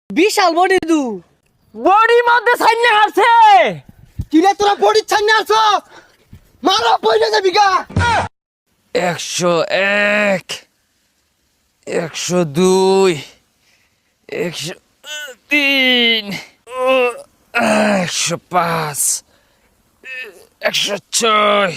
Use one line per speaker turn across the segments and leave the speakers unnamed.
বিশাল body দু
বডির মধ্যে সাইনে হারছে।
কিরে তোরা বডি ছাইনে আছো মারা পয়সা যাবি গা
101 102 103 105 106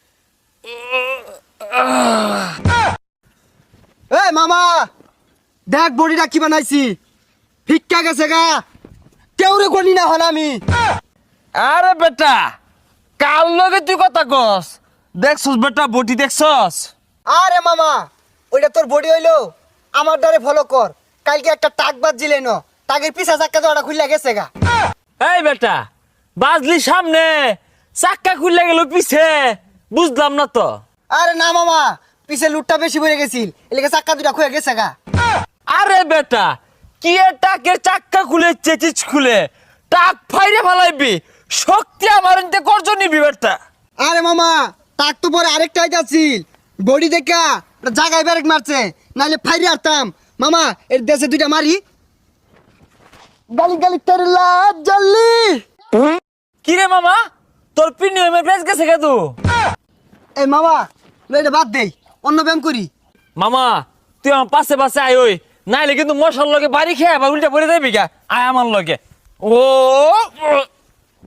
এই মামা দেখ বডিটা কি বানাইছি ভিক্ষা গেছে গা কেউরে গনি না হন আমি
আরে বেটা কাল লগে তুই কথা কস দেখছস বেটা বডি দেখছস।
আরে মামা ওইটা তোর বডি হইলো আমার দ্বারে ফলো কর কালকে একটা টাক বাজছিলে ন টাকের পিছা চাক্কা জোড়া খুললা গেছে গা
এই বেটা বাজলি সামনে চাক্কা খুললে গেল পিছে বুঝলাম না তো।
আরে না মামা পিছে লুটটা বেশি পড়ে গেছিল এলাকা চাক্কা দুটা খুলে গেছে গা
আরে বেটা কি টাকের চাক্কা খুলে চেচিচ খুলে টাক ফাইরে ফেলাইবি শক্তি আমার এনতে করজ নিবি বেটা।
আরে মামা টাক তো পরে আরেকটা আইতাছিল বডি দেখা জায়গায় ব্যারেক মারছে নাইলে ফাইরে আরতাম মামা এর দেশে দুইটা মারি গালি গালি তোর লাজ জ্বললি
কি রে মামা তোর প্রিমিয়ামের প্রাইস গেছে কে তু?
এই মামা এটা বাদ দেই অন্য ব্যায়াম করি
মামা তুই আমার পাশে পাশে আয় ওই নাইলে কিন্তু মশার লগে বাড়ি খেয়ে আবার উল্টা পড়ে যাবি গা আয় আমার লগে ও